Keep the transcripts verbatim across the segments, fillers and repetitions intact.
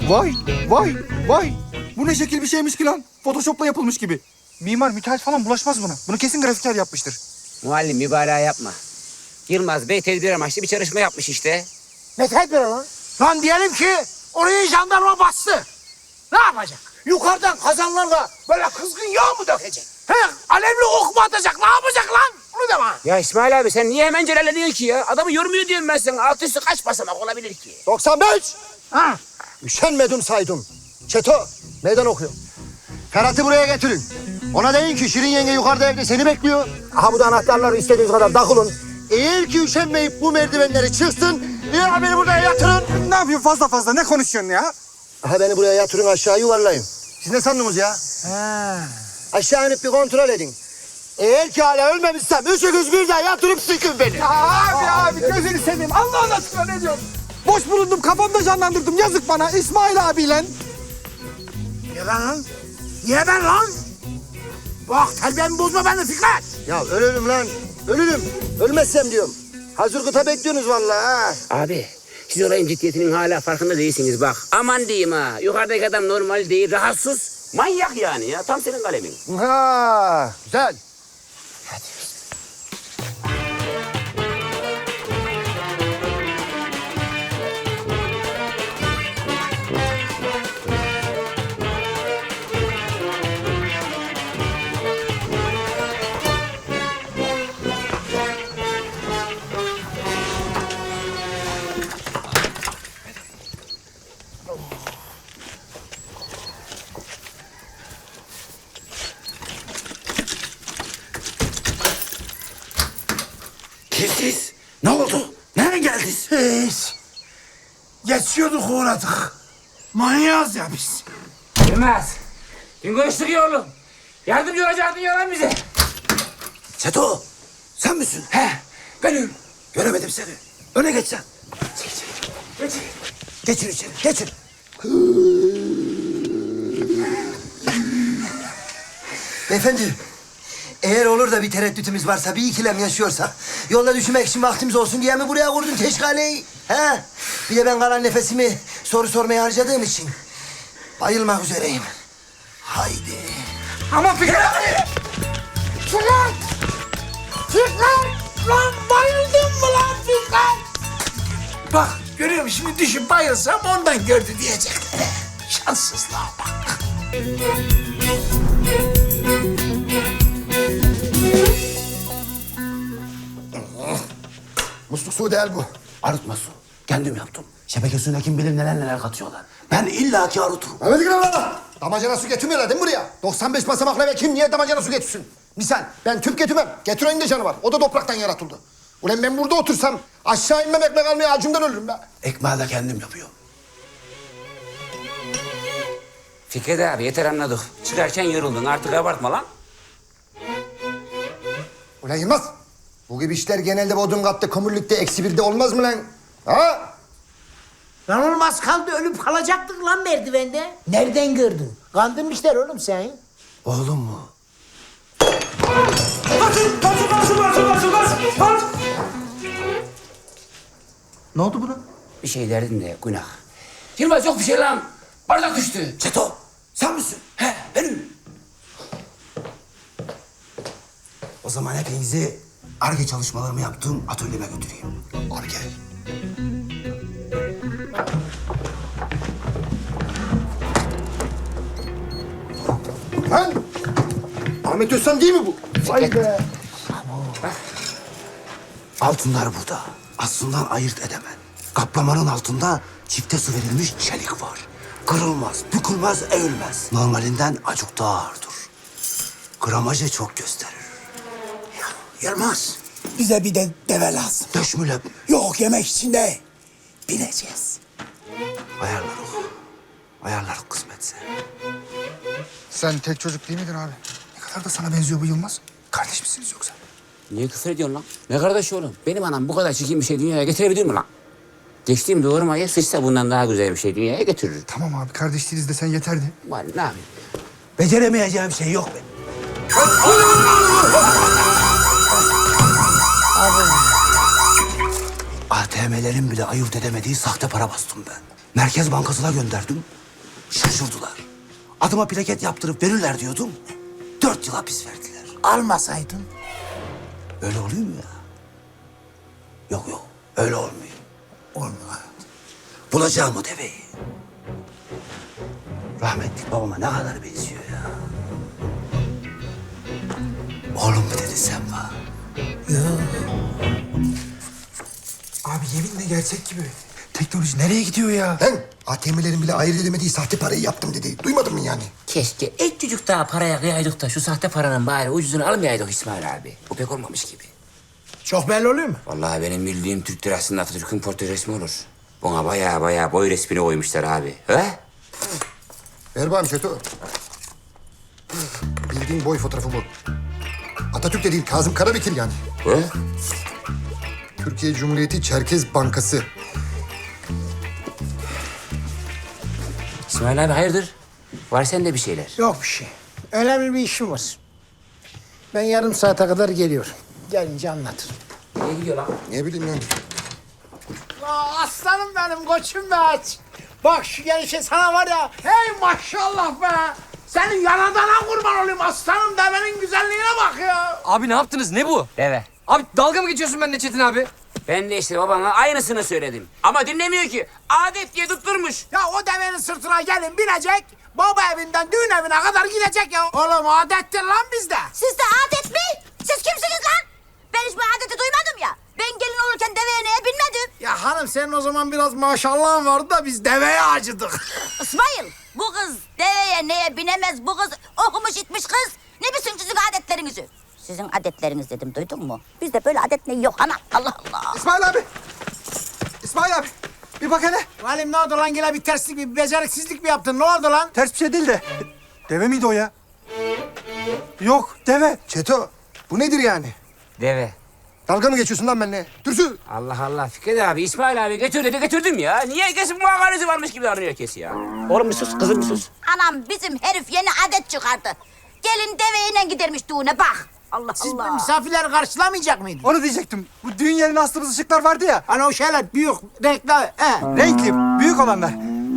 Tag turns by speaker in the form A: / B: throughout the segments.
A: Vay, vay, vay. Bu ne şekil bir şeymiş ki lan? Photoshop'la yapılmış gibi.
B: Mimar, müteahhit falan bulaşmaz buna. Bunu kesin grafiker yapmıştır.
C: Muallim mübalağa yapma. Yılmaz Bey tedbir amaçlı bir çalışma yapmış işte.
D: Ne tedbiri lan? Lan diyelim ki orayı jandarma bastı. Ne yapacak? Yukarıdan kazanlarla böyle kızgın yağ mı dökecek? He, alevli ok mu atacak? Ne yapacak lan? Onu da bana.
C: Ya İsmail abi sen niye hemen celalleniyorsun ki ya? Adamı yormuyor diyorum ben sana. Alt üstü kaç basamak olabilir ki?
E: doksan beş.
D: Ha.
E: Üşenmedim saydım. Çeto, meydan okuyor. Ferhat'ı buraya getirin. Ona deyin ki Şirin yenge yukarıda evde seni bekliyor. Aha bu da anahtarları istediğiniz kadar takılın. Eğer ki üşenmeyip bu merdivenleri çıksın, ya beni buraya yatırın.
B: Ne yapıyorsun fazla fazla? Ne konuşuyorsun ya?
E: Aha beni buraya yatırın, aşağı yuvarlayın. Siz ne sandınız ya?
D: He.
E: Aşağı inip bir kontrol edin. Eğer ki hala ölmemişsem üçünüz birden yatırıp sıkın beni.
B: Ya abi abi gözünü seveyim. Allah aşkına ne diyorsun? Boş bulundum kafamda canlandırdım. Yazık bana İsmail abiyle.
D: Niye ben lan? Niye ben lan? Bak terbiyemi bozma beni Fikret.
E: Ya ölürüm lan, ölürüm. Ölmezsem diyorum. Hazır kıta bekliyorsunuz vallahi ha.
C: Abi siz olayın ciddiyetinin hala farkında değilsiniz bak. Aman diyeyim ha. Yukarıdaki adam normal değil, rahatsız. Manyak yani ya. Tam senin kalemin.
E: Ha, güzel.
D: Siz ne oldu? Nereye geldiniz? Hiç. Geçiyorduk uğradık. Manyağız ya biz.
C: Yılmaz. Dün konuştuk ya oğlum. Yardımcı olacaktın ya lan bize.
D: Çeto, sen misin?
C: He benim.
D: Göremedim seni. Öne geç sen.
C: Geç.
D: Geçin içeri, geçin.
E: Beyefendi, eğer olur da bir tereddütümüz varsa, bir ikilem yaşıyorsak, yolda düşünmek için vaktimiz olsun diye mi buraya kurdun teşkaleyi? He? Bir de ben kalan nefesimi soru sormaya harcadığım için bayılmak üzereyim. Haydi.
B: Aman Fikret abi.
D: Fikret! Fikret! Lan bayıldın mı lan Fikret? Bak görüyor musun şimdi düşüp bayılsam ondan gördü diyecekler. Şanssızlığa bak.
E: Musluk suyu değil bu.
D: Arıtma su. Kendim yaptım. Şebeke suyuna kim bilir neler neler katıyorlar. Ben illaki arıtırım.
E: Mehmet İkram, damacana su getirmiyorlar değil mi buraya? doksan beş basamaklı eve kim niye damacana su getirsin? Misal ben tüp getirmem. Getirenin de canı var. O da topraktan yaratıldı. Ulan ben burada otursam aşağı inmem ekmek almaya acımdan ölürüm be.
D: Ekmeği de kendim yapıyorum.
C: Fikret abi yeter anladık. Çıkarken yoruldun artık abartma lan.
E: Ulan Yılmaz, bu gibi işler genelde bodrum katta, kömürlükte, eksi birde olmaz mı lan? Ha?
D: Lan olmaz kaldı ölüp kalacaktık lan merdivende. Nereden gördün? Kandırmışlar oğlum sen.
E: Oğlum mu?
B: Ne oldu buna?
C: Bir şey derdin de günah. Yılmaz yok bir şey lan. Bardak düştü.
D: Çeto sen misin?
C: He benim.
D: O zaman hepinizi Ar-Ge çalışmalarımı yaptığım atölyeme götüreyim.
E: Ar-Ge. Lan! Ahmet Özsan değil mi bu? Vay be!
D: Altınlar burada. Aslından ayırt edemem. Kaplamanın altında çifte su verilmiş çelik var. Kırılmaz, bükülmez, eğilmez. Normalinden acık daha ağırdır. Gramajı çok gösterir.
F: Yılmaz, bize bir de deve lazım.
D: Döşmüle
F: Yok yemek için de bineceğiz.
D: ayarlarız. Ayarlarız kısmetse.
B: Sen tek çocuk değil miydin abi? Ne kadar da sana benziyor bu Yılmaz. Kardeş misiniz yoksa?
C: Niye küfür ediyorsun lan? Ne kardeş oğlum? Benim anam bu kadar çirkin bir şey dünyaya getirebilir mi lan? Geçtiğim doğurmayı sıçsa bundan daha güzel bir şey dünyaya getirir.
B: Tamam abi kardeş değiliz de sen yeterdi.
C: Var ne yapayım?
F: Beceremeyeceğim şey yok benim.
D: A T M'lerin bile ayırt edemediği sahte para bastım ben. Merkez Bankası'na gönderdim. Şaşırdılar. Adıma plaket yaptırıp verirler diyordum. Dört yıl hapis verdiler.
F: Almasaydın.
D: Öyle oluyor mu ya? Yok yok, öyle olmuyor.
F: Olmuyor.
D: Bulacağım o deveyi. Rahmetli babama ne kadar benziyor ya. Oğlum mu dedin sen bana?
B: Abi yeminle gerçek gibi. Teknoloji nereye gidiyor ya?
F: Ben A T M'lerin bile ayırt edemediği sahte parayı yaptım dedi. Duymadın mı yani?
C: Keşke et çocuk daha paraya kıyaydık da şu sahte paranın bari ucuzunu almayaydık İsmail abi. Bu pek olmamış gibi.
F: Çok belli oluyor mu?
C: Vallahi benim bildiğim Türk lirasında Atatürk'ün portre resmi olur. Buna baya baya boy resmini koymuşlar abi. He?
F: Ver bakayım Çeto. Bildiğin boy fotoğrafı bu. Atatürk de değil, Kazım Karabekir yani.
C: He?
F: Türkiye Cumhuriyeti Çerkez Bankası.
C: İsmail abi hayırdır? Var sende bir şeyler.
F: Yok bir şey. Önemli bir işim var. Ben yarım saate kadar geliyorum. Gelince anlatırım.
C: Nereye gidiyor lan?
F: Ne bileyim yani.
B: Aa, aslanım benim koçum be aç. Bak şu gelişe sana var ya. Hey maşallah be. Senin yanadana kurban olayım aslanım devenin güzelliğine bak ya.
G: Abi ne yaptınız? Ne bu?
C: Deve.
G: Abi dalga mı geçiyorsun benimle Çetin abi?
C: Ben de işte babana aynısını söyledim. Ama dinlemiyor ki. Adet diye tutturmuş.
B: Ya o devenin sırtına gelin binecek. Baba evinden düğün evine kadar gidecek ya. Oğlum adettir lan bizde.
H: Sizde adet mi? Siz kimsiniz lan? Ben hiç bu adeti duymadım ya. Ben gelin olurken deveye neye binmedim.
B: Ya hanım senin o zaman biraz maşallahın vardı da biz deveye acıdık.
H: İsmail, bu kız deveye neye binemez. Bu kız okumuş itmiş kız. Ne bilsin sizin adetlerinizi? Sizin adetleriniz dedim, duydun mu? Bizde böyle adet ne yok ana. Allah Allah.
B: İsmail abi. İsmail abi. Bir bak hele. Valim ne oldu lan yine bir terslik bir beceriksizlik mi yaptın? Ne oldu lan?
A: Ters bir şey değil de. Deve miydi o ya? Yok deve.
F: Çeto, bu nedir yani?
C: Deve.
F: Dalga mı geçiyorsun lan benimle? Dürsü.
C: Allah Allah Fikret abi, İsmail abi götür dedi götürdüm ya. Niye herkesin muhakaresi varmış gibi davranıyor herkes ya? Oğlum bir sus, kızım bir sus.
H: Anam bizim herif yeni adet çıkardı. Gelin deveyle gidermiş düğüne bak. Allah
B: Siz
H: Allah.
B: misafirleri karşılamayacak mıydınız?
A: Onu diyecektim. Bu düğün yerine astığımız ışıklar vardı ya.
B: Hani o şeyler büyük, renkli. He.
A: Renkli, büyük olanlar.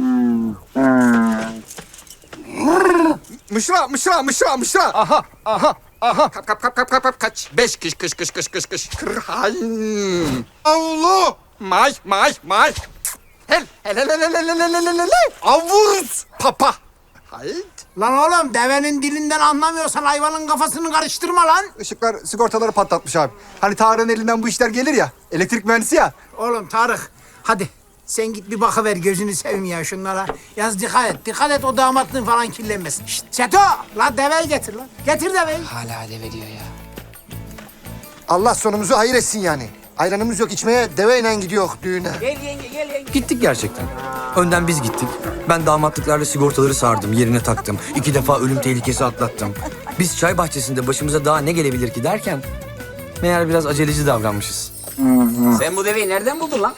A: Mışra, mışra, mışra, mışra.
B: Aha, aha, aha. Kap, kap, kap, kap, kap, kap, kaç. Beş kış, kış, kış, kış, kış, kış. Kırhayn.
A: Avlu.
B: May, may, may. Hel, hel, hel, hel, hel, hel, hel, hel, hel, hel. Avuz. Papa. Hayt. Lan oğlum devenin dilinden anlamıyorsan hayvanın kafasını karıştırma lan.
A: Işıklar sigortaları patlatmış abi. Hani Tarık'ın elinden bu işler gelir ya. Elektrik mühendisi ya.
B: Oğlum Tarık hadi sen git bir bakıver gözünü seveyim ya şunlara. Yaz dikkat et. Dikkat et o damatlığın falan kirlenmesin. Şşt Çeto lan deveyi getir lan. Getir deveyi.
C: Hala deve diyor ya.
F: Allah sonumuzu hayır etsin yani. Ayranımız yok içmeye, deveyle gidiyor düğüne.
C: Gel yenge gel yenge.
G: Gittik gerçekten. Önden biz gittik. Ben damatlıklarla sigortaları sardım, yerine taktım. İki defa ölüm tehlikesi atlattım. Biz çay bahçesinde başımıza daha ne gelebilir ki derken... meğer biraz aceleci davranmışız.
C: Sen bu deveyi nereden buldun lan?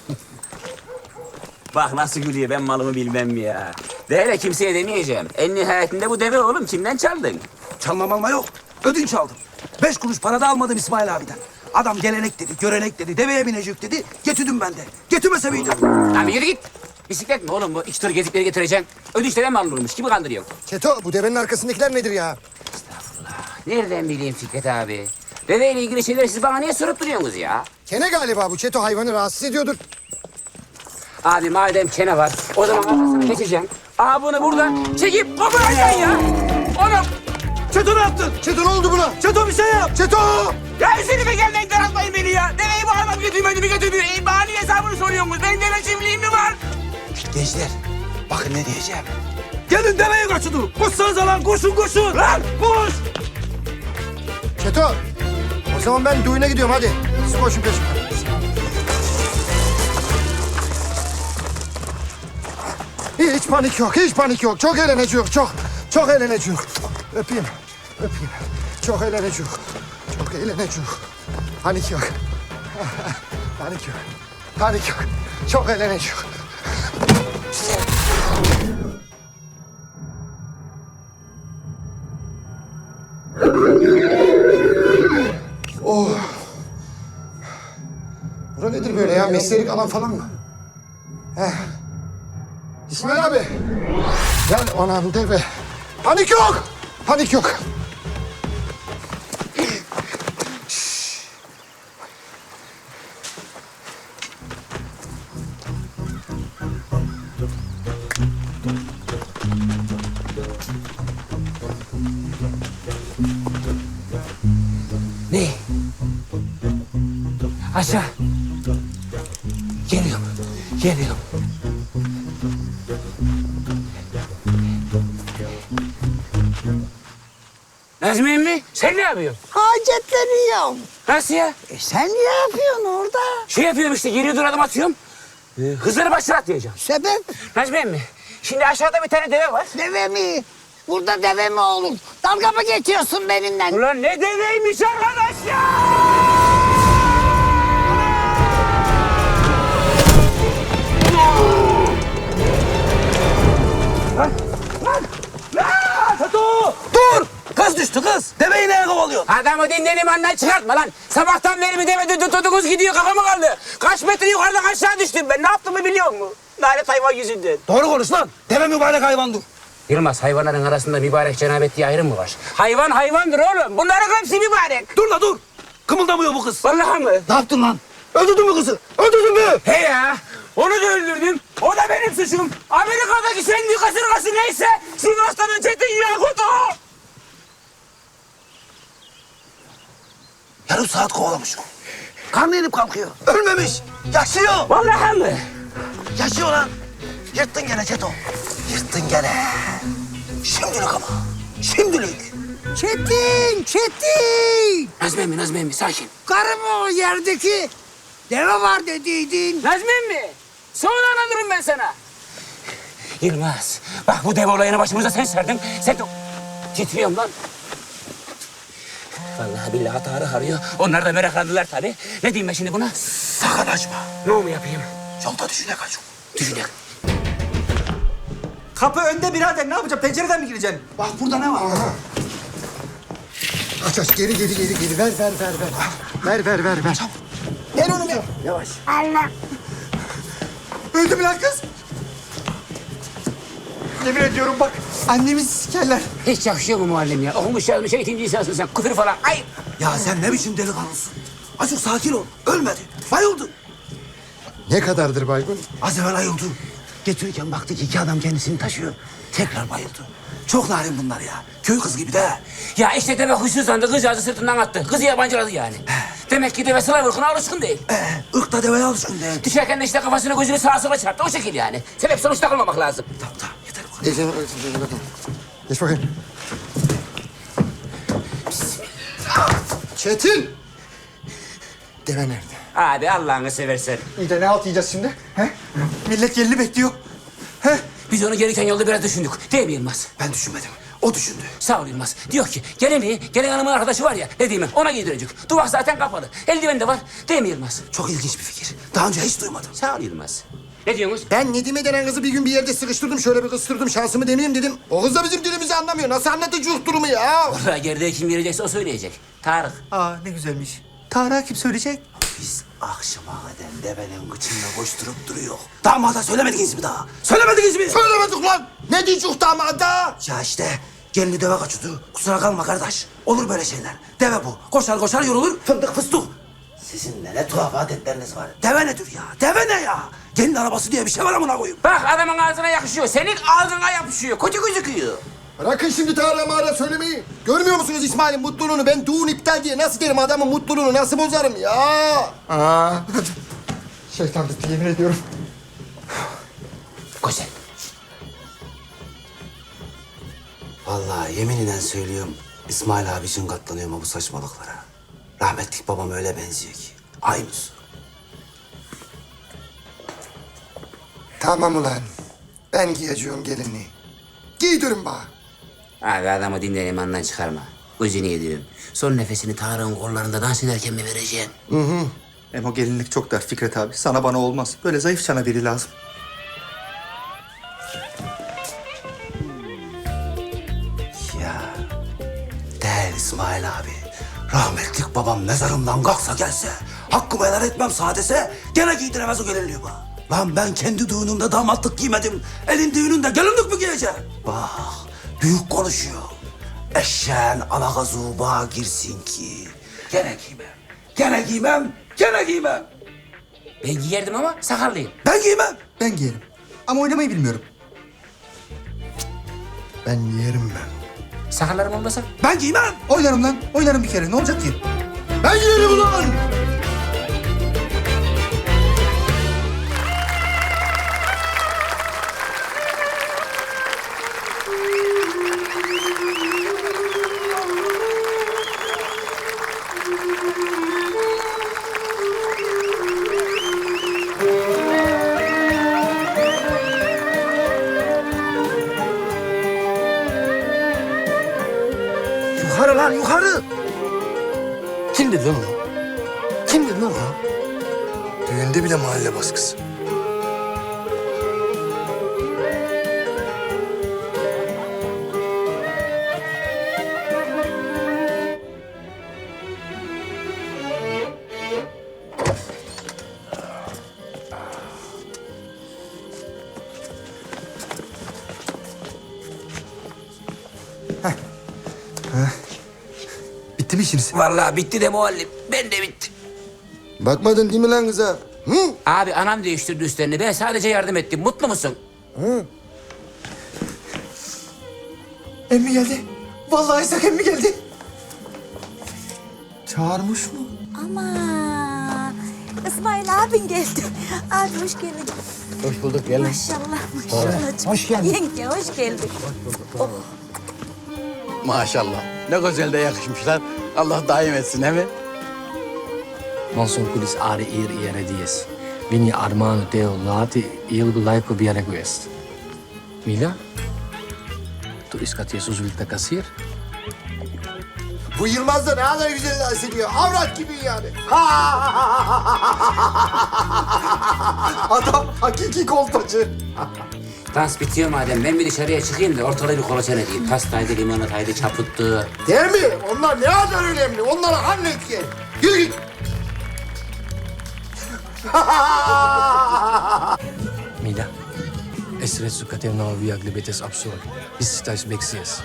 C: Bak nasıl gülüyor, ben malımı bilmem mi ya. De hele kimseye demeyeceğim. En nihayetinde bu deve oğlum, kimden çaldın?
D: Çalmam alma yok. Ödünç aldım. Beş kuruş para da almadım İsmail abiden. Adam gelenek dedi, görenek dedi, deveye binecek dedi. Getirdim ben de. Getirmese miydim?
C: Lan bir yürü git. Bisiklet mi oğlum bu? İki tır gezip geri getireceksin. Ödünçten mi alınırmış? Kimi kandırıyorsun?
F: Çeto, bu devenin arkasındakiler nedir ya?
C: Nereden bileyim Fikret abi? Deveyle ilgili şeyleri siz bana niye sorup duruyorsunuz ya?
F: Kene galiba bu. Çeto hayvanı rahatsız ediyordur.
C: Abi madem kene var, o zaman arkasına geçeceksin. Aa bunu buradan çekip koparacaksın ya. Oğlum.
F: Çeto ne yaptın? Çeto ne oldu buna? Çeto bir şey yap. Çeto!
C: Ya Hüseyin'e gelmeyin, daraltmayın beni ya. Deveyi bu adam götürmedi mi götürmüyor. E, bana niye hesabını soruyorsunuz? Benim deve çiftliğim mi var?
D: Gençler, bakın ne diyeceğim.
G: Gelin deveye kaçın. Koşsanıza lan, koşun koşun.
C: Lan koş.
F: Çeto! O zaman ben düğüne gidiyorum hadi. Siz koşun peşimden. Hiç panik yok, hiç panik yok. Çok eğleneceğiz, çok. Çok eğleneceğiz. Öpeyim, öpeyim. Çok eğleneceğiz. Çok eğleneceğiz. Panik yok. Panik yok. Panik yok. Çok eğleneceğiz. Oh. Bura nedir böyle ya? Mesleğilik alan falan mı? Heh. İsmail abi. Gel anam deve. Panik yok. Panik yok.
C: Ne? Aşağı. Geliyorum. Geliyorum. Nazmi emmi sen ne yapıyorsun?
B: Hacetleniyorum.
C: Nasıl ya?
B: E sen ne yapıyorsun orada?
C: Şey yapıyorum işte geriye dur adım atıyorum. Ee, hızları başına atlayacağım.
B: Sebep?
C: Nazmi emmi şimdi aşağıda bir tane deve var.
B: Deve mi? Burada deve mi olur? Dalga mı geçiyorsun benimle?
C: Ulan ne deveymiş arkadaş ya! Lan! Lan! Lan! Tato!
D: Dur! Kız düştü kız. Deveyi neye kovalıyorsun?
C: Adamı dinlenim andan çıkartma lan. Sabahtan beri bir deve tuttuğunuz gidiyor kafama kaldı. Kaç metre yukarıdan aşağı düştüm ben. Ne yaptığımı biliyor musun? Lanet hayvan yüzünden.
D: Doğru konuş lan. Deve mübarek hayvandır.
C: Yılmaz hayvanların arasında mübarek cenabet diye ayrım mı var? Hayvan hayvandır oğlum. Bunların hepsi mübarek.
D: Dur la dur. Kımıldamıyor bu kız.
C: Vallahi mı?
D: Ne yaptın lan? Öldürdün mü kızı? Öldürdün mü?
C: He ya. Onu da öldürdüm. O da benim suçum. Amerika'daki sen büyük kasırgası neyse Sivas'tan Çetin Yakut o.
D: Yarım saat kovalamış o. Karnı inip kalkıyor. Ölmemiş. Yaşıyor.
C: Vallahi mı?
D: Yaşıyor lan. Yırttın gene Çeto. Yırttın gene. Şimdilik ama. Şimdilik.
B: Çetin, Çetin!
C: Nazmi emmi, Nazmi emmi sakin.
B: Karı mı o yerdeki? Deve var dediydin.
C: Nazmi emmi. Sonra anlatırım ben sana. Yılmaz. Bak bu dev olayını başımıza sen serdin. Sen de... Titriyorum lan. Vallahi billahi Tarık arıyor. Onlar da meraklandılar tabii. Ne diyeyim ben şimdi buna?
D: Sakın açma.
C: Ne mu yapayım?
D: Yolda düşüne kaç.
C: Düşünek.
A: Kapı önde birader, ne yapacağım? Pencereden mi gireceksin?
D: Bak burada ne var?
F: Aç aç geri geri geri geri ver ver ver ver. Ver ver ver ver.
D: Ver onu ver. Yavaş.
A: Öldü mü lan kız? Yemin ediyorum bak, annemizi sikerler.
C: Hiç yakışıyor mu muallim ya? Okumuş yazmış eğitimci insansın sen. Küfür falan. Ay!
D: Ya sen ne biçim delikanlısın? Azıcık sakin ol. Ölmedi. Bayıldı.
F: Ne kadardır baygın?
D: Az evvel ayıldı. Getirirken baktık iki adam kendisini taşıyor. Tekrar bayıldı. Çok narin bunlar ya. Köy kız gibi de.
C: Ya işte deve huysuzlandı. Kızcağızı sırtından attı. Kızı yabancıladı yani. Demek ki deve sıla vurkuna alışkın değil.
D: Ee, ırk da deveye alışkın değil.
C: Düşerken de işte kafasını gözünü sağa sola çarptı. O şekil yani. Sebep sonuç takılmamak lazım.
D: Tamam tamam yeter bu kadar.
F: Geç, geç, geç, bakayım. Geç bakayım. Çetin! Deve nerede?
C: Abi Allah'ını seversen.
A: İyi de ne halt yiyeceğiz şimdi? He? Millet gelini bekliyor. He?
C: Biz onu gelirken yolda biraz düşündük. Değil mi Yılmaz?
D: Ben düşünmedim. O düşündü.
C: Sağ ol Yılmaz. Diyor ki gelemeyi, gelen hanımın arkadaşı var ya dediğimi ona giydirecek. Duvak zaten kapalı. Eldiven de var. Değil mi Yılmaz?
D: Çok ilginç bir fikir. Daha önce hiç duymadım.
C: Sağ ol Yılmaz. Ne diyorsunuz?
F: Ben Nedime denen kızı bir gün bir yerde sıkıştırdım. Şöyle bir kıstırdım. Şansımı deneyeyim dedim. O kız da bizim dilimizi anlamıyor. Nasıl anlatacak durumu ya?
C: Vallahi geride kim verecekse o söyleyecek. Tarık.
A: Aa ne güzelmiş. Tarık'a kim söyleyecek?
D: Biz akşama kadar devenin kıçında koşturup duruyor. Damada söylemediniz mi daha? Söylemediniz mi?
F: Söylemedik lan. Ne diyecek damada?
D: Ya işte gelini deve kaçırdı. Kusura kalma kardeş. Olur böyle şeyler. Deve bu. Koşar koşar yorulur. Fındık fıstık. Sizin de ne tuhaf adetleriniz var. Deve nedir ya? Deve ne ya? Gelin arabası diye bir şey var amına koyayım.
C: Bak adamın ağzına yakışıyor. Senin ağzına yapışıyor. Kötü gözüküyor.
F: Bırakın şimdi Tarık'a mağara söylemeyi. Görmüyor musunuz İsmail'in mutluluğunu? Ben düğün iptal diye nasıl derim adamın mutluluğunu nasıl bozarım ya? Aa. Şeytan bitti yemin ediyorum.
C: Güzel.
D: Vallahi yeminle söylüyorum. İsmail abi için katlanıyorum bu saçmalıklara. Rahmetlik babam öyle benziyor ki. Aynısı.
F: Tamam ulan. Ben giyeceğim gelini. Giydirin bana.
C: Abi adamı dinle imandan çıkarma. Gözünü yediyorum. Son nefesini Tarık'ın kollarında dans ederken mi vereceksin?
A: Hem o gelinlik çok dar Fikret abi. Sana bana olmaz. Böyle zayıf çana biri lazım.
D: Ya değil İsmail abi. Rahmetlik babam mezarımdan kalksa gelse, hakkımı helal etmem sadese, gene giydiremez o gelinliği bana. Lan ben kendi düğünümde damatlık giymedim. Elin düğününde gelinlik mi giyeceğim? Bak, büyük konuşuyor. Eşeğin alakazı bağa girsin ki. Gene giymem, gene giymem, gene giymem.
C: Ben giyerdim ama sakallıyım.
D: Ben giymem.
A: Ben giyerim. Ama oynamayı bilmiyorum.
F: Ben yerim ben.
C: Sakallarım olmasa.
D: Ben giymem.
A: Oynarım lan. Oynarım bir kere. Ne olacak ki?
F: Ben yerim ulan!
E: Yukarı lan yukarı.
F: Kim dedi lan o? Kim dedi lan o? Düğünde bile mahalle baskısı.
A: Bitti mi işiniz?
C: Vallahi bitti de muallim. Ben de bitti.
F: Bakmadın değil mi lan kıza? Hı?
C: Abi anam değiştirdi üstlerini. Ben sadece yardım ettim. Mutlu musun?
A: Emmi geldi. Vallahi İshak emmi geldi. Çağırmış mı?
H: Ama İsmail abin geldi. Abi hoş geldin.
B: Hoş bulduk gelin.
H: Maşallah maşallah.
B: Hoş geldin.
H: Yenge hoş geldin.
B: Maşallah. Ne güzel de yakışmışlar. Allah daim etsin he mi?
I: Non son kulis are eer ere dies. Vini armano teo lati ilgu laiko biare quest. Mila? Tu iskat Jesus vilta kasir?
F: Bu Yılmaz da ne kadar güzel dans ediyor. Avrat gibi yani. Adam hakiki kolpacı.
C: Dans bitiyor madem. Ben bir dışarıya çıkayım da ortalığı bir kolaçan edeyim. Pastaydı, limonataydı, çaputtu.
F: Değil mi? Onlar ne kadar önemli. Onları hallet gel. Yürü git.
I: Mila? Esret sukatev nav viagle betes absurd. Biz stajs beksiyiz.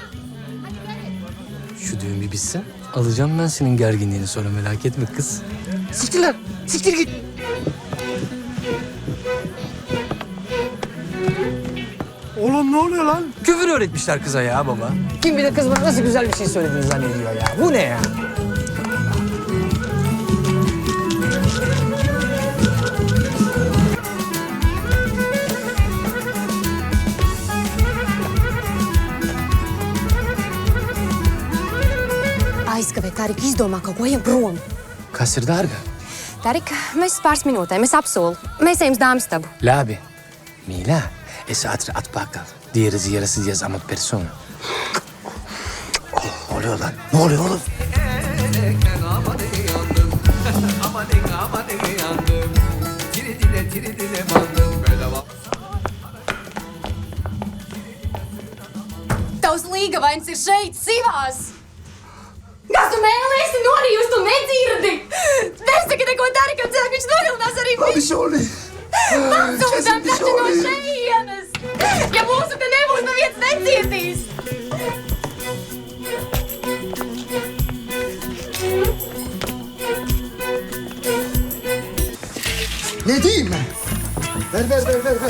I: Şu düğün bir bitsin. Alacağım ben senin gerginliğini sonra merak etme kız.
B: Siktir lan. Siktir git.
I: Oğlum ne oluyor lan? Küfür öğretmişler kıza ya baba. Kim bilir kız bana nasıl güzel bir şey söylediğini zannediyor ya. Bu ne ya?
J: Aizkavēt, Tarik, izdomā kaut ko, ejam prom.
I: Kas ir dārga?
J: Tarik, mēs pāris minūtēm, es apsolu. Mēs ejam uz dāmas-stabu.
I: Labi. Mila, es ātri atpakaļ. Diğeri yarısı diye ama persona.
D: Ne oluyor lan? Ne oluyor oğlum?
J: Tavs līgavains ir šeit, sivās! Kas tu mēlies, tu norījus, tu nedzirdi! Nesaki neko Tarikam, cilvēku, viņš nogalinās arī
F: Hadi Şoli.
J: Atsūtām taču no šeienes! Ja mūsu te nebūs, neviens necietīs!
F: Ne diyeyim ben? Ver ver ver ver ver.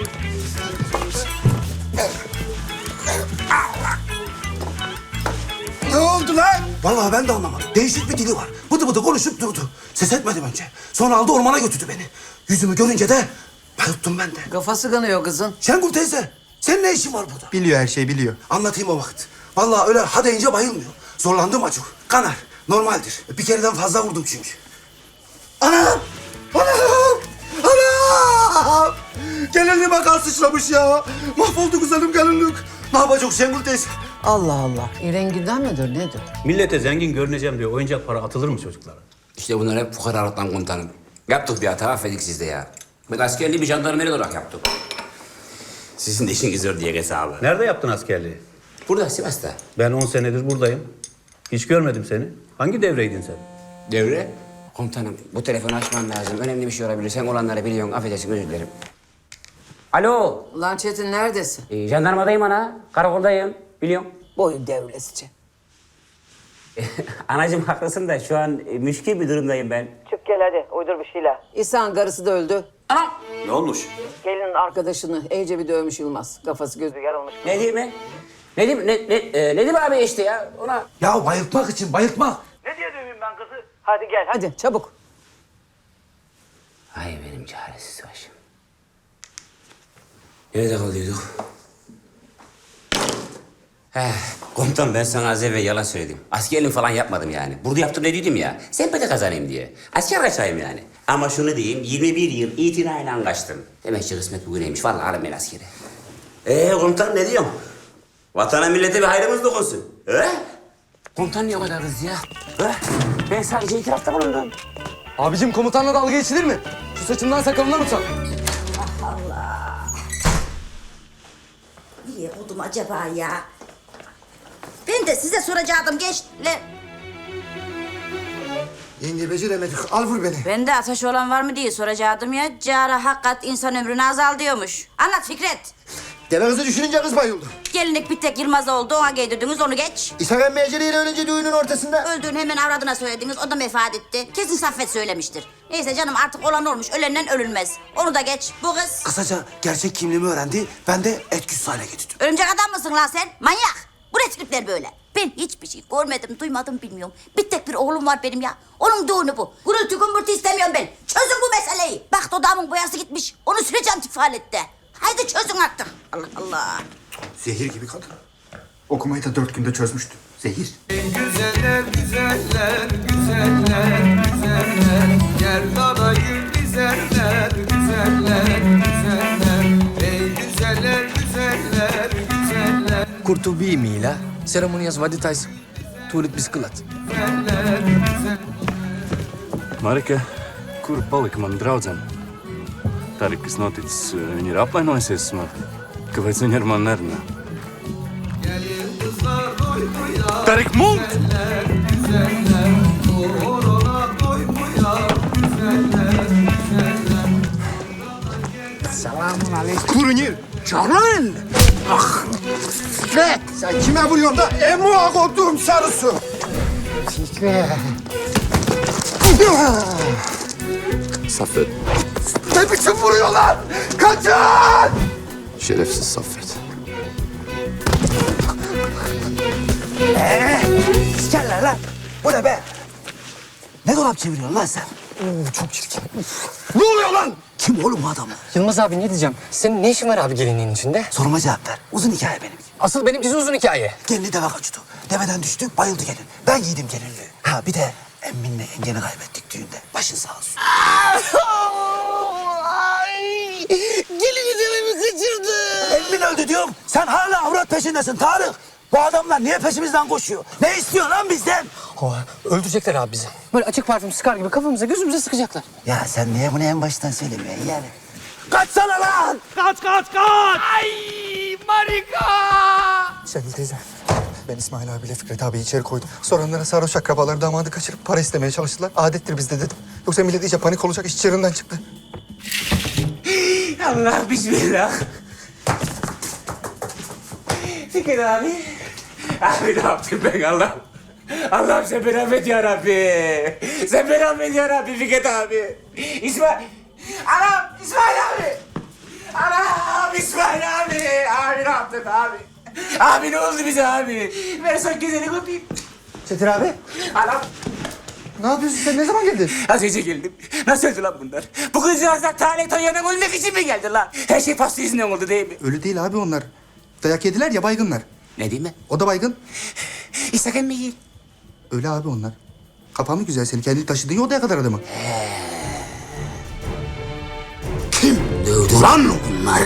D: Ne oldu lan? Vallahi ben de anlamadım. Değişik bir dili var. Bıdı bıdı konuşup durdu. Ses etmedim önce. Sonra aldı ormana götürdü beni. Yüzümü görünce de bayılttım ben de.
K: Kafası kanıyor kızın.
D: Şengül teyze, senin ne işin var burada?
A: Biliyor her şeyi biliyor.
D: Anlatayım o vakit. Vallahi öyle ha deyince bayılmıyor. Zorlandım acık. Kanar. Normaldir. Bir kereden fazla vurdum çünkü. Anam! Anam! Anam! Gelinliğime kan sıçramış ya. Mahvoldu güzelim gelinlik. Ne yapacak Şengül teyze?
K: Allah Allah. Renginden midir nedir?
L: Millete zengin görüneceğim diye oyuncak para atılır mı çocuklara?
C: İşte bunlar hep fukaralıktan komutanım. Yaptık bir hata, affedik siz de ya. Ben askerliği bir jandarmeri olarak yaptım. Sizin de işiniz zor diye hesabı.
L: Nerede yaptın askerliği?
C: Burada, Sivas'ta.
L: Ben on senedir buradayım. Hiç görmedim seni. Hangi devreydin sen?
C: Devre? Komutanım bu telefonu açmam lazım. Önemli bir şey olabilir. Sen olanları biliyorsun. Affedersin özür dilerim. Alo.
K: Lan Çetin neredesin?
C: Ee, jandarmadayım ana. Karakoldayım. Biliyorum.
K: Boyun devrilesice.
C: Anacığım haklısın da şu an e, müşkil bir durumdayım ben.
K: Çık gel hadi uydur bir şeyler. İhsan karısı da öldü.
C: Anam.
L: Ne olmuş?
K: Gelinin arkadaşını iyice bir dövmüş Yılmaz. Kafası gözü yarılmış.
C: Ne diyeyim mi? Ne diyeyim, ne, ne, e, ne diyeyim abi işte ya ona?
D: Ya bayıltmak için bayıltmak.
K: Hadi gel hadi çabuk.
C: Ay benim çaresiz başım. Nerede kalıyorduk? He, komutan ben sana az evvel yalan söyledim. Askerliğim falan yapmadım yani. Burada yaptım dediydim ya. Sempati kazanayım diye. Asker kaçayım yani. Ama şunu diyeyim, yirmi bir yıl itinayla kaçtım. Demek ki kısmet bugüneymiş. Vallahi alın ben askeri. Ee komutan ne diyorsun? Vatana millete bir hayrımız dokunsun. He? Komutan niye o kadar kız ya? He? Ben sadece itirafta bulundum.
G: Abicim komutanla dalga geçilir mi? Şu saçından sakalından utan.
H: Niye oldum acaba ya? Ben de size soracaktım gençler.
F: Yenge beceremedik. Al vur beni.
H: Ben de ateş olan var mı diye soracaktım ya. Cara hakikat insan ömrünü azaltıyormuş. Anlat Fikret.
F: Deve kızı düşününce kız bayıldı.
H: Gelinlik bir tek Yılmaz oldu. Ona giydirdiniz onu geç.
F: İshak emmi eceliyle ölünce düğünün ortasında.
H: Öldüğünü hemen avradına söylediniz. O da vefat etti. Kesin Saffet söylemiştir. Neyse canım artık olan olmuş. Ölenden ölünmez. Onu da geç. Bu kız.
D: Kısaca gerçek kimliğimi öğrendi. Ben de etkisiz hale getirdim.
H: Örümcek adam mısın lan sen? Manyak. Bu ne tripler böyle? Ben hiçbir şey görmedim, duymadım, bilmiyorum. Bir tek bir oğlum var benim ya. Onun düğünü bu. Gürültü gümbürtü istemiyorum ben. Çözün bu meseleyi. Bak dudağımın boyası gitmiş. Onu süreceğim tifalette. Haydi çözün artık. Allah Allah.
A: Zehir gibi kadın. Okumayı da dört günde çözmüştü. Zehir.
M: Güzeller, güzeller, güzeller, güzeller. Yerdana gül güzeller, güzeller, güzeller. Ey güzeller, güzeller, güzeller.
I: Kurtubi Mila, ceremonias vaditais, tulit bisklat.
N: Marika, kur palika mana draudzene? Tā arī, kas noticis, viņa ir apvainojusies man. Kāpēc viņa ar mani nerunā? Tarik Mult!
B: Selamun aleyküm.
F: Kurunir.
B: Canın. Ah. Fikret.
F: Sen kime vuruyorsun da? Emu kodum sarısı.
B: Fikret.
F: Saffet. Ne biçim vuruyorlar? Kaçın! Şerefsiz Saffet.
D: Ee, sikerler lan. Bu ne be? Ne dolap çeviriyorsun lan sen?
G: Oo, çok çirkin.
F: Ne oluyor lan?
D: Kim oğlum bu adamlar?
G: Yılmaz abi ne diyeceğim? Senin ne işin var abi gelinliğin içinde?
D: Soruma cevap ver. Uzun hikaye benimki.
G: Asıl benimkisi uzun hikaye.
D: Gelini deve kaçtı. Deveden düştü, bayıldı gelin. Ben giydim gelinliği. Ha bir de emminle yengeni kaybettik düğünde. Başın sağ olsun.
E: Gelini devemi kaçırdı.
D: Emmin öldü diyorum. Sen hala avrat peşindesin Tarık. Bu adamlar niye peşimizden koşuyor? Ne istiyor lan bizden?
G: Oha, öldürecekler abi bizi. Böyle açık parfüm sıkar gibi kafamıza gözümüze sıkacaklar.
D: Ya sen niye bunu en baştan söylemiyorsun yani? Kaçsana lan!
M: Kaç, kaç, kaç! Ay, Marika!
F: Şengül teyze. Ben İsmail abiyle Fikret abi içeri koydum. Sonra onlara sarhoş akrabaları damadı kaçırıp para istemeye çalıştılar. Adettir bizde dedim. Yoksa millet iyice panik olacak, iş çığırından çıktı.
C: Allah bismillah. Fikret abi. Abi ne yaptım ben Allah'ım? Allah'ım sen beni affet ya Rabbi. Sen beni affet ya Rabbi Fikret abi. İsmail. Anam İsmail abi. Anam İsmail abi. Abi ne yaptın abi? Abi ne oldu bize abi? Ver son güzeli öpeyim.
F: Çetin abi.
C: Anam.
F: Ne yapıyorsun sen? Ne zaman geldin?
C: Az önce geldim. Nasıl öldü lan bunlar? Bu kızcağızlar Talih Toya'dan ölmek için mi geldi lan? Her şey pasta yüzünden oldu değil mi?
A: Ölü değil abi onlar. Dayak yediler ya baygınlar.
C: Ne diyeyim ben?
A: O da baygın.
C: İshak emmi değil.
A: Öyle abi onlar. Kapan mı güzel seni? Kendi taşıdın ya odaya kadar adamı.
C: Kim dövdü lan bunları?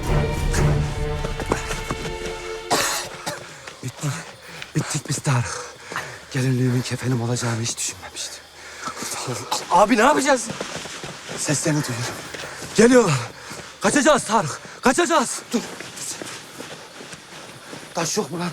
D: Bittik. Bittik biz Tarık. Gelinliğimin kefenim olacağını hiç düşünmemiştim.
G: Abi ne yapacağız?
D: Seslerini duyuyorum. Geliyorlar. Kaçacağız Tarık. Kaçacağız. Dur. Taş yok mu lan?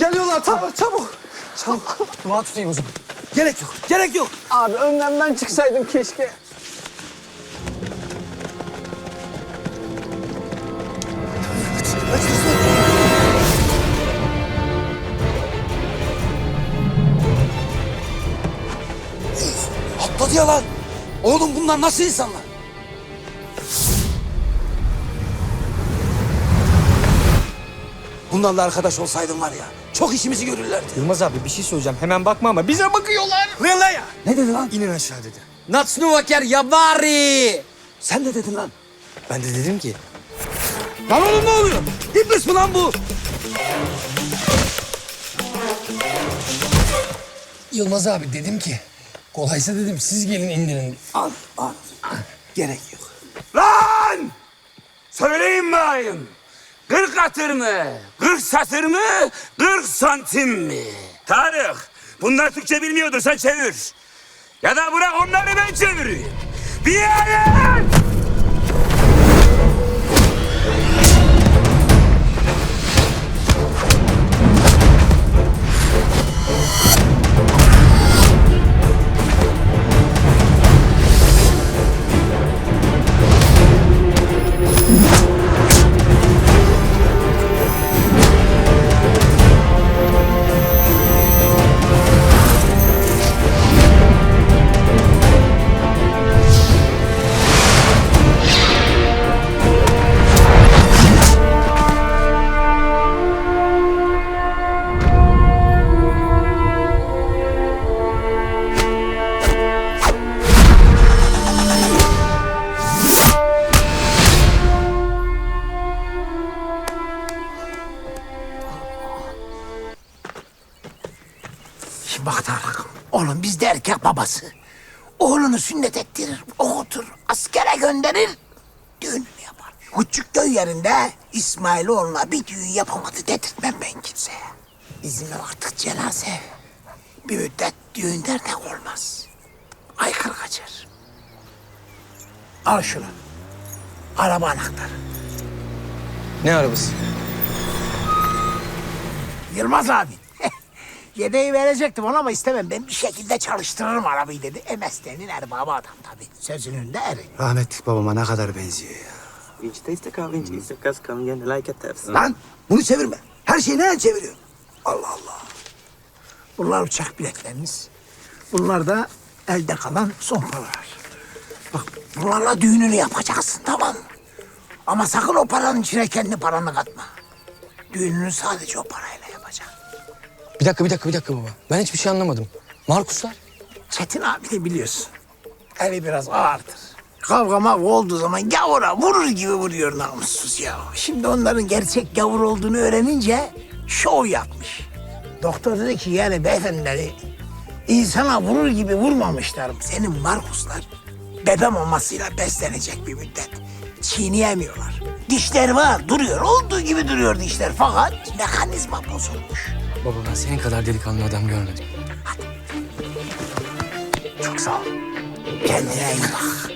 F: Geliyorlar çabuk çabuk. Çabuk. Dua tutayım o zaman.
E: Gerek yok, gerek yok.
I: Abi önden ben çıksaydım keşke.
E: Atladı ya lan. Oğlum bunlar nasıl insanlar? Bunlarla arkadaş olsaydın var ya, çok işimizi görürlerdi.
G: Yılmaz abi bir şey söyleyeceğim. Hemen bakma ama bize bakıyorlar.
E: Uyan ya. Ne dedi lan?
G: İnin aşağı dedi. Natsnuvaker yavari.
E: Sen ne dedin lan?
G: Ben de dedim ki
E: Lan oğlum ne oluyor? İblis mi lan bu?
I: Yılmaz abi dedim ki kolaysa dedim siz gelin indirin.
E: Al, al. Gerek yok.
C: Lan! Söyleyin bakayım. Kırk atır mı? Kırk satır mı? Kırk santim mi? Tarık, bunlar Türkçe bilmiyordur, sen çevir. Ya da bırak onları ben çevireyim. Bir yere!
B: Şimdi bak Tarık, oğlum bizde erkek babası. Oğlunu sünnet ettirir, okutur, askere gönderir, düğününü yapar. Küçük köy yerinde İsmailoğlu'na bir düğün yapamadı dedirtmem ben kimseye. Bizim ev artık cenaze. Bir müddet düğün dernek olmaz. Aykırı kaçar. Al şunu. Araba anahtarı.
G: ne arabası?
B: Yılmaz abi. Yedeği verecektim ona ama istemem. Ben bir şekilde çalıştırırım arabayı dedi. E mesleğinin erbabı adam tabii. Sözünün de eri.
E: Rahmetlik babama ne kadar benziyor ya. Lan bunu çevirme. Her şeyi nereden çeviriyorsun? Allah Allah.
B: Bunlar uçak biletleriniz. Bunlar da elde kalan son paralar. Bak bunlarla düğününü yapacaksın tamam mı? Ama sakın o paranın içine kendi paranı katma. Düğününü sadece o parayla yapacaksın.
G: Bir dakika bir dakika bir dakika baba. Ben hiçbir şey anlamadım. Markuslar?
B: Çetin abi de biliyorsun. Eli biraz ağırdır. Kavga mavga olduğu zaman gavura vurur gibi vuruyor namussuz ya. Şimdi onların gerçek gavur olduğunu öğrenince şov yapmış. Doktor dedi ki yani beyefendileri insana vurur gibi vurmamışlar. Senin Markuslar bebe mamasıyla beslenecek bir müddet. Çiğneyemiyorlar. Dişler var duruyor. Olduğu gibi duruyor dişler fakat mekanizma bozulmuş.
G: Baba ben senin kadar delikanlı adam görmedim.
B: Çok sağ ol. Kendine iyi bak.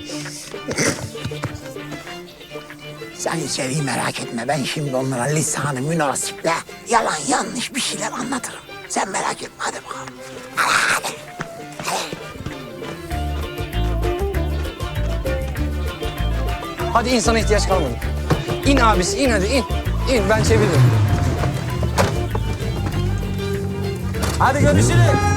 B: Sen içeriği merak etme. Ben şimdi onlara lisanı münasiple yalan yanlış bir şeyler anlatırım. Sen merak etme. Hadi bakalım. Hadi. Hadi.
G: Hadi insana ihtiyaç kalmadı. İn abisi in hadi in. İn ben çeviririm. Hadi görüşürüz.